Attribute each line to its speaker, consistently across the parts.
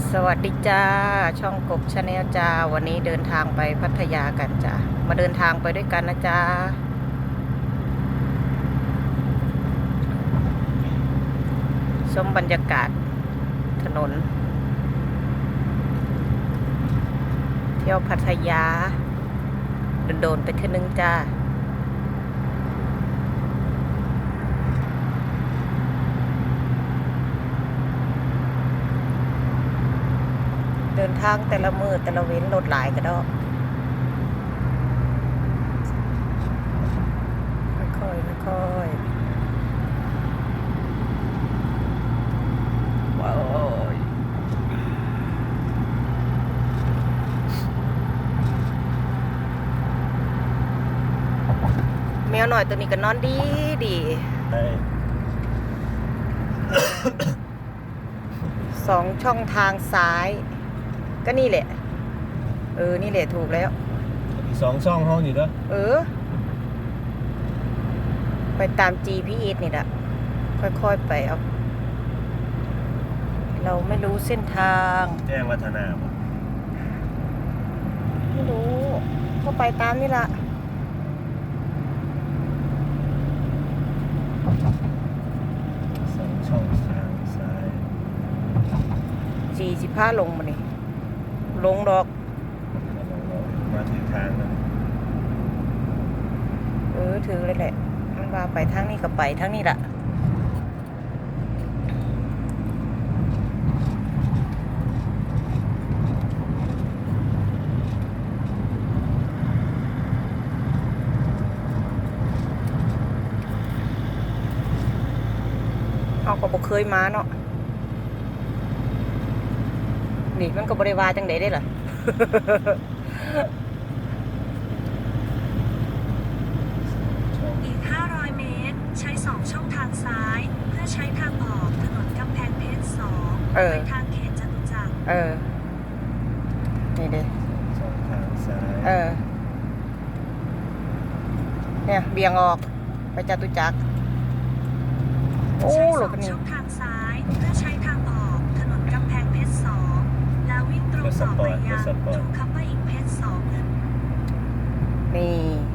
Speaker 1: สวัสดีจ้าช่องกบชาแนลจ้าวันนี้เดินทางไปพัทยากันจ้ามาเดินทางไปด้วยกันนะจ้าชมบรรยากาศถนนเที่ยวพัทยาโดนๆไปเท่านึงจ้าเดินทางแต่ละมือแต่ละเว้นรถหลายก็ได้ค่อยๆค่อยๆว้าวแมวหน่อยตัวนี้ก็นอนดีดีสองช่องทางซ้ายก็นี่แหละนี่แหละถูกแล้ว
Speaker 2: สองช่องห้องอยู่ด้วย
Speaker 1: ไปตาม GPS นี่แหละค่อยๆไปเอาเราไม่รู้เส้นทาง
Speaker 2: แจ้งวัฒนา
Speaker 1: ไม่รู้ก็ไปตามนี่ละ
Speaker 2: สองช่องทางซ้าย
Speaker 1: 45ลงมานี่ลงดอก
Speaker 2: มาถึงทางแล้ว
Speaker 1: ถือเลยแหละมันว่าไปทางนี้ก็ไปทางนี้ละเอาก็บ่เคยมาเนาะนี่มันก็บริวารจังไดได้ล่ะ
Speaker 3: อีก 500 เมตร ใช้ 2 ช่องทางซ้าย เพื่อใช้ทางออกถนนกำแพงเพชร2ไปทางเขตจตุจักร
Speaker 1: นี่ดิ
Speaker 2: ช่องทางซ้าย
Speaker 1: เนี่ยเบี่ยงออกไปจตุจักรโอ้หลบนี่
Speaker 3: ช่องทางซ้ายเพื่อใช้ทางออกถนนกำแพงเพชร2แล้ววิ่งตรงต่อไปยังทูคัพเปอร์อิงเพชร2
Speaker 1: นี่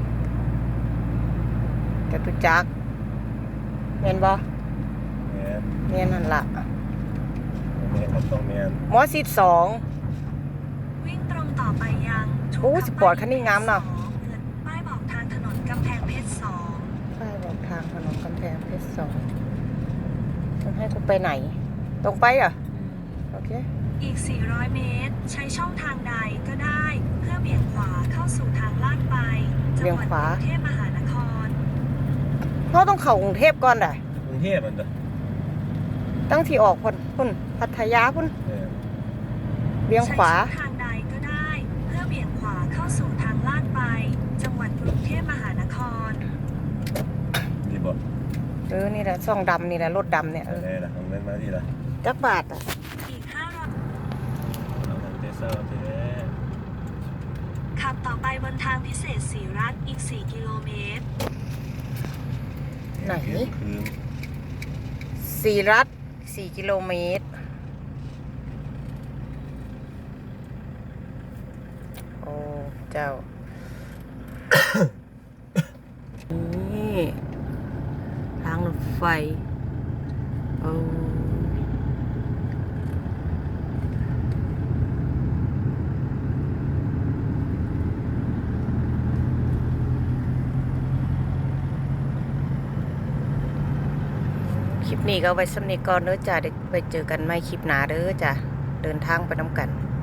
Speaker 1: จตุจักรเมียนบ่เมียนนั่นละ
Speaker 2: เมียนครับต้องเมียน
Speaker 1: มอสิบ2
Speaker 3: วิ่งตรงต่อไปยัง
Speaker 1: โอ้สปอร์ตคันนี้งามเนาะ
Speaker 3: ป้ายบอกทางถนนกำแพงเพชร2
Speaker 1: ป้ายบอกทางถนนกำแพงเพชร2มันให้กูไปไหนตรงไปเหรอโอเค
Speaker 3: อีก 400 เมตร ใช้ช่องทางใดก็ได้เพื่อเบี่ยงขวาเข้าสู่ทางลาดไปจังหวัดกรุงเทพมหานคร
Speaker 1: เราต้องเข้ากรุงเทพก่อนได้
Speaker 2: กรุงเทพมัน
Speaker 1: ตั้งที่ออกพุ่นพัทยาพุ่นเบี่ยงขวา
Speaker 3: ใช้ช่องทางใดก็ได้เพื่อเบี่ยงขวาเข้าสู่ทางลาดไปจังหวัดกรุงเทพมหานคร
Speaker 2: นี่บ่
Speaker 1: นี่แหละช่องดำนี่แหละรถดำเนี่ย
Speaker 2: อะไรล่ะของเล่นมาที่ละ
Speaker 1: จักบาท
Speaker 3: อีก500
Speaker 2: ขั
Speaker 3: บต่อไปบนทางพิเศษศรีรัตน์อีก4 กิโลเมตร
Speaker 1: ไหนศรีรัตน์4 กิโลเมตรโอ้เจ้า นี่ทางรถไฟคลิปนี้ก็ไว้สำหรับก่อนเด้อจ้าเดี๋ยวไปเจอกันใหม่คลิปหน้าเด้อจ้าเดินทางไปน้ำกัน